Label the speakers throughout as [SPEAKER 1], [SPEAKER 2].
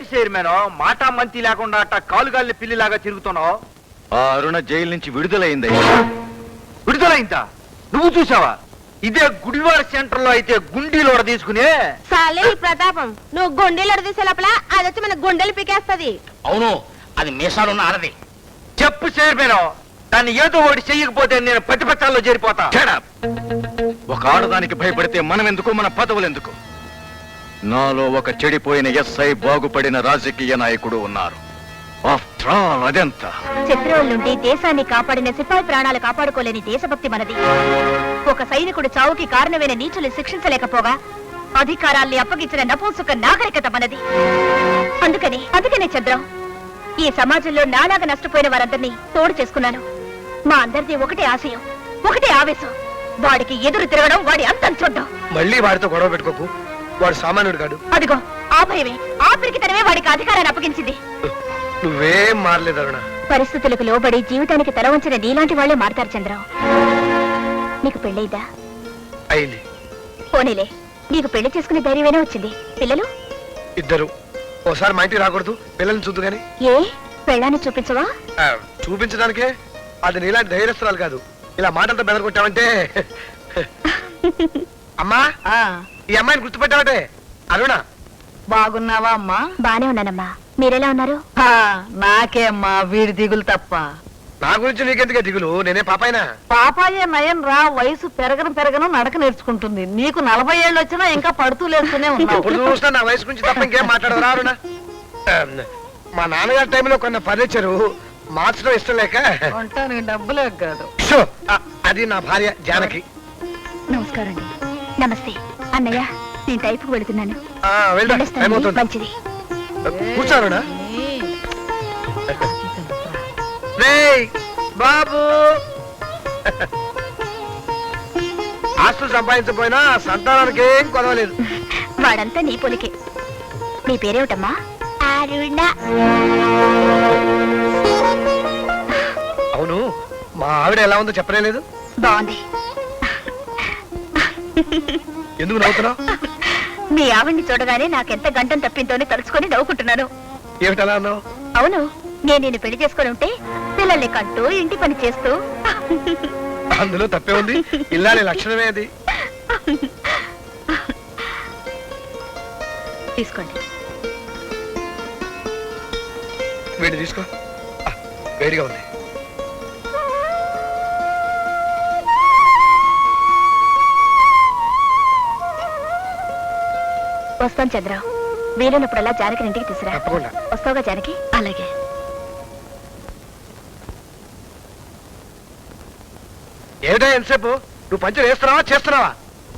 [SPEAKER 1] Chairman మాట మంతి లేకుండా అట్ట కాలుగాలిని పిల్లిలాగా తిరుగుతున్నావు?
[SPEAKER 2] ఆ అరుణ జైలు నుంచి విడుదలైంది.
[SPEAKER 1] విడుదలైందా? నువ్వు చూసావా? ఇదే గుడివాడ సెంటర్ లో అయితే గుండీలో తీసుకునే
[SPEAKER 3] సాలే ఈ ప్రతాపం. నువ్వు గుండెలు తీసే లోపల అది వచ్చి మన గుండెలు పీకేస్తది.
[SPEAKER 4] అవును, అది మీసాలున్న ఆడది.
[SPEAKER 1] చెప్పు చైర్మన్, దాన్ని ఏదో ఒకటి చెయ్యకపోతే నేను ప్రతిపక్షాల్లో చేరిపోతా.
[SPEAKER 2] ఒక ఆడదానికి భయపడితే మనం ఎందుకు, మన పదవులు ఎందుకు? నాలో ఒక చెడిపోయిన ఎస్ఐ బాగుపడిన రాజకీయ నాయకుడు ఉన్నారు. ఆఫ్టర్ ఆల్ అదెంత
[SPEAKER 3] శత్రువుల నుండి దేశాన్ని కాపాడిన సిపాయి ప్రాణాలు కాపాడుకోలేని దేశభక్తి మనది. ఒక సైనికుడు చావుకి కారణమైన నీచులు శిక్షించలేకపోగా అధికారాల్ని అప్పగించిన నపుంసక నాగరికత మనది. అందుకనే చంద్రం, ఈ సమాజంలో నాలాగా నష్టపోయిన వారందరినీ తోడు చేసుకున్నాను. మా అందరిది ఒకటే ఆశయం, ఒకటే ఆవేశం. వాడికి ఎదురు తిరగడం, వాడి అంతం చూడడం.
[SPEAKER 5] మళ్ళీ వాడితో గొడవ పెట్టుకోకు, వాడు సామాన్యుడు కాడు.
[SPEAKER 3] అదిగో ఆ భయమే, ఆ పిరికితనమే వాడికి అధికారాన్ని అప్పగించింది.
[SPEAKER 5] నువ్వేం మారలేదు అరుణ.
[SPEAKER 3] పరిస్థితులకు లోబడి జీవితానికి తల వంచిన నీలాంటి వాళ్లే మారతారు చంద్రం. నీకు పెళ్ళైదా?
[SPEAKER 5] అయింది.
[SPEAKER 3] పోనీలే, నీకు పెళ్లి చేసుకునే ధైర్యమేనా వచ్చింది? పిల్లలు?
[SPEAKER 5] ఇద్దరు. ఓసారి మా ఇంటికి రాకూడదు, పిల్లల్ని చూద్దు గాని.
[SPEAKER 3] ఏ పెళ్ళాన్ని చూపించవా?
[SPEAKER 5] చూపించడానికే. అది నీలాంటి ధైర్యస్తురాలు కాదు. ఇలా మాటలతో బెదరగొట్టావంటే. అమ్మా, ఈ అమ్మాయిని గుర్తుపెట్టావటే? అరుణ.
[SPEAKER 6] బాగున్నావా అమ్మా?
[SPEAKER 3] బానే ఉన్నానమ్మా, మీరెలా ఉన్నారు?
[SPEAKER 6] నాకే అమ్మా వీడి దిగులు తప్ప.
[SPEAKER 5] నా గురించి నీకెందుకే దిగులు? నేనే పాపాయినా?
[SPEAKER 6] పాపాయే నయం రా. వయసు పెరగను నడక నేర్చుకుంటుంది. నీకు 40 ఏళ్ళు వచ్చినా ఇంకా పడుతూ లేస్తూనే ఉన్నావు.
[SPEAKER 5] ఇప్పుడు చూసినా నా వయసు గురించి తప్ప ఇంకేం మాట్లాడరా అరుణ? మా నాన్నగారి టైంలో కొన్న ఫర్నిచరు మార్చడం ఇష్టం లేక
[SPEAKER 6] ఉంటానికి డబ్బులే కాదు.
[SPEAKER 5] అది నా భార్య జానకి.
[SPEAKER 3] నమస్కారం అండి. నమస్తే అన్నయ్య, నేను టైపుకు వెళుతున్నాను. మంచిది.
[SPEAKER 5] కూర్చోరునా బాబు. ఆస్తులు సంపాదించకపోయినా సంతానానికి ఏం కొదవలేదు.
[SPEAKER 3] వాడంతా నీ పొలికే. నీ పేరేమిటమ్మా? అరుణ.
[SPEAKER 5] అవును, మా ఆవిడ ఎలా ఉందో చెప్పలేదు.
[SPEAKER 3] బాగుంది.
[SPEAKER 5] ఎందుకు నవ్వుతున్నావు?
[SPEAKER 3] మీ ఆవిడ్ని చూడగానే నాకెంత గంటం తప్పిందో తలుచుకొని నవ్వుకుంటున్నాను.
[SPEAKER 5] ఏమిటలా అన్నావు?
[SPEAKER 3] అవును, నేను నిన్ను పెళ్లి చేసుకుని ఉంటే పిల్లల్ని కంటూ ఇంటి పని చేస్తూ.
[SPEAKER 5] అందులో తప్పే ఉంది. ఇల్లాలి లక్షణమే అది.
[SPEAKER 3] తీసుకోండి.
[SPEAKER 5] వేడి తీసుకో, వేడిగా ఉంది.
[SPEAKER 3] వస్తాను చంద్ర, వీలున్నప్పుడల్లా జానకి ఇంటికి తీసురా.
[SPEAKER 5] తప్పకుండా.
[SPEAKER 3] వస్తావుగా జానకి? అలాగే.
[SPEAKER 5] ఏమిటా ఎంతసేపు? నువ్వు పంచర్ వేస్తున్నావా చేస్తున్నావా?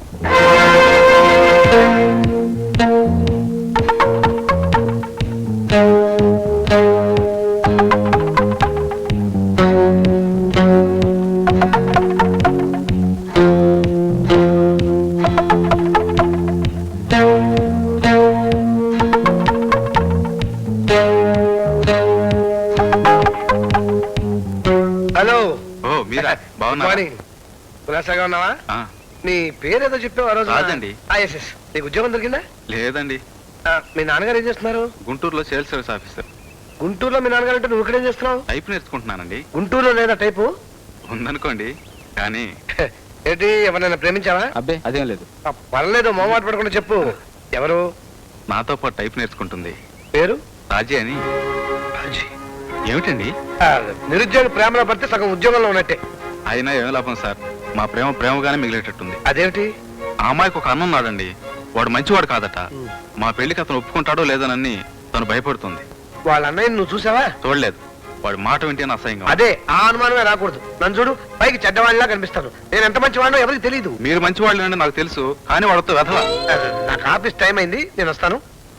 [SPEAKER 5] హలో.
[SPEAKER 2] మీరా? బాగున్నారా?
[SPEAKER 5] కులాసాగా ఉన్నావా? నీ పేరేదో చెప్పావు ఆ రోజు.
[SPEAKER 2] రాజండి.
[SPEAKER 5] నీకు ఉద్యోగం దొరికిందా?
[SPEAKER 2] లేదండి.
[SPEAKER 5] మీ నాన్నగారు ఏం చేస్తున్నారు?
[SPEAKER 2] గుంటూరులో సేల్స్ సర్వీస్ ఆఫీసర్.
[SPEAKER 5] గుంటూరులో మీ నాన్నగారు అంటే నువ్వు ఇక్కడేం చేస్తున్నావు?
[SPEAKER 2] టైప్ నేర్చుకుంటున్నానండి.
[SPEAKER 5] గుంటూరులో లేదా టైపు?
[SPEAKER 2] ఉందనుకోండి, కానీ
[SPEAKER 5] ఏంటి, ఎవరైనా ప్రేమించావా?
[SPEAKER 2] అబ్బే అదేం లేదు.
[SPEAKER 5] పర్లేదు, మొహమాట పడకుండా చెప్పు. ఎవరు?
[SPEAKER 2] నాతో పాటు టైప్ నేర్చుకుంటుంది.
[SPEAKER 5] పేరు?
[SPEAKER 2] రాజీ అని.
[SPEAKER 5] రాజీ.
[SPEAKER 2] ఏమిటండి?
[SPEAKER 5] నిరుద్యోగి ప్రేమలో పడితే సగం ఉద్యోగంలో ఉన్నట్టే.
[SPEAKER 2] అయినా ఏం లాభం సార్, మా ప్రేమగానే మిగిలేటట్టుంది.
[SPEAKER 5] అదేమిటి?
[SPEAKER 2] ఆ అమ్మాయికి ఒక అన్న ఉన్నాడండి, వాడు మంచివాడు కాదట. మా పెళ్లికి అతను ఒప్పుకుంటాడో లేదనని తను భయపడుతుంది.
[SPEAKER 5] వాళ్ళ అన్నయ్య నువ్వు చూసావా?
[SPEAKER 2] చూడలేదు. వాడి మాట వింటే అసహ్యంగా.
[SPEAKER 5] అదే, ఆ అనుమానమే రాకూడదు. నన్ను చూడు, పైకి చెడ్డవాడిలా కనిపిస్తాను. నేను ఎంత మంచివాడినో ఎవరికి తెలియదు.
[SPEAKER 2] మీరు మంచివాళ్ళు అంటే నాకు తెలుసు, కానీ వాడితో వెధల.
[SPEAKER 5] నాకు ఆఫీస్ టైం అయింది, నేను వస్తాను.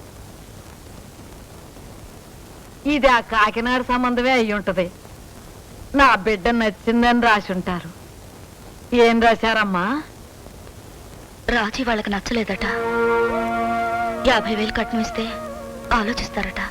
[SPEAKER 6] ఇది ఆ కాకినాడ సంబంధమే అయి ఉంటది. నా బిడ్డ నచ్చిందని రాసి ఉంటారు. ఏం రాశారమ్మా?
[SPEAKER 3] రాజీ వాళ్ళకి నచ్చలేదట. 50,000 కట్నం ఇస్తే ఆలోచిస్తారట.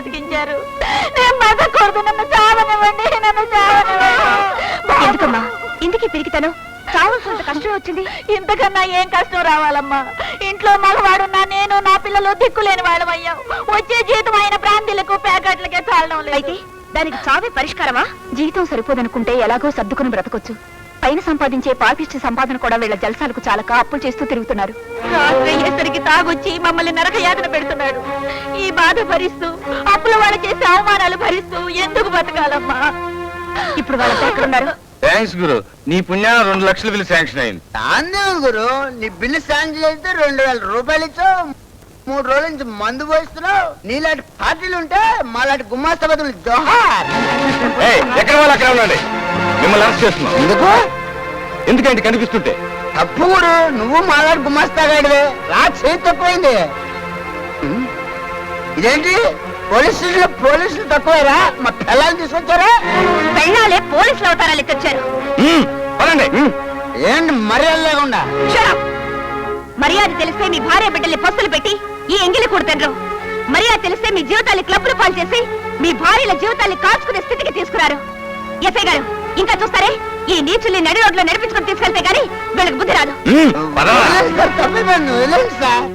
[SPEAKER 6] బతికించారు. నేను బతకూడదు, నన్ను చావనివ్వండి, నన్ను చావనివ్వండి.
[SPEAKER 3] ఎందుకమ్మా ఇందుకే పెరిగితాను చావాల్సినంత కష్టం వచ్చింది.
[SPEAKER 6] ఇంతకన్నా ఏం కష్టం రావాలమ్మా? ఇంట్లో మగవాడున్నా నేను నా పిల్లలు దిక్కులేని వాళ్ళం అయ్యాం. వచ్చే జీతం అయిన బ్రాందీలకు ప్యాకెట్లకే చాలడం లేదు.
[SPEAKER 3] అయితే దానికి చావే పరిష్కారమా? జీవితం సరిపోదనుకుంటే ఎలాగో సర్దుకుని బ్రతకొచ్చు. పైన సంపాదించే పాపిష్టి సంపాదన కూడా వీళ్ళ జలసాలకు చాలక అప్పులు చేస్తూ తిరుగుతున్నారు.
[SPEAKER 6] రాత్రి అయ్యేసరికి తాగొచ్చి మమ్మల్ని నరకయాతన పెడుతున్నాడు. ఈ బాధ భరిస్తూ అప్పుల వాళ్ళు చేసే అవమానాలు భరిస్తూ ఎందుకు బతకాలమ్మా?
[SPEAKER 3] ఇప్పుడు వాళ్ళతో ఎక్కడున్నారు?
[SPEAKER 2] థ్యాంక్స్ గురు, నీ పుణ్యాన 2 లక్షల బిల్లు శాంక్షన్ అయింది.
[SPEAKER 7] అందే గురు, నీ బిల్లు శాంక్షన్ చేస్తే 2000 రూపాయలు ఇచ్చావు. 3 రోజుల నుంచి మందు పోయిస్తున్నావు. నీలాంటి పార్టీలు ఉంటే మాలాంటి గుమ్మాస్తా బదులు జోహార్.
[SPEAKER 2] ఎక్కడ వాళ్ళు అక్కడ ఉండండి, మిమ్మల్ని అరెస్ట్ చేస్తున్నాం.
[SPEAKER 7] ఎందుకు?
[SPEAKER 2] ఎందుకంటే కనిపిస్తుంటే
[SPEAKER 7] తప్పు గురు, నువ్వు మాలాంటి గుమ్మాస్తా గాడివే. రా, చేతి తక్కువైంది. ఇదేంటి పోలీస్ స్టేషన్ లో పోలీసులు తక్కువేరా? మా పిల్లల్ని తీసుకొచ్చారా?
[SPEAKER 3] పెళ్ళాలే పోలీసులు అవతారాలు ఎత్తొచ్చారు.
[SPEAKER 2] పదండి.
[SPEAKER 7] ఏంటి మర్యాద లేకుండా?
[SPEAKER 3] Shut up! మర్యాద తెలిస్తే మీ భార్య బిడ్డల్ని పస్తులు పెట్టి ఈ ఎంగిలి కూడుతండ్రు. మర్యాద తెలిస్తే మీ జీవితాన్ని క్లబ్లు పాలు చేసి మీ భార్యల జీవితాన్ని కాల్చుకునే స్థితికి తీసుకురారు. ఎస్ఐ గారు ఇంకా చూస్తారే? ఈ నీచుల్ని నడి రోడ్లో నడిపించుకొని తీసుకెళ్తే గానీ వీళ్ళకి బుద్ధి రాదు.
[SPEAKER 7] వదిలేండి సార్, తప్పిపోయింది, వదిలేండి సార్.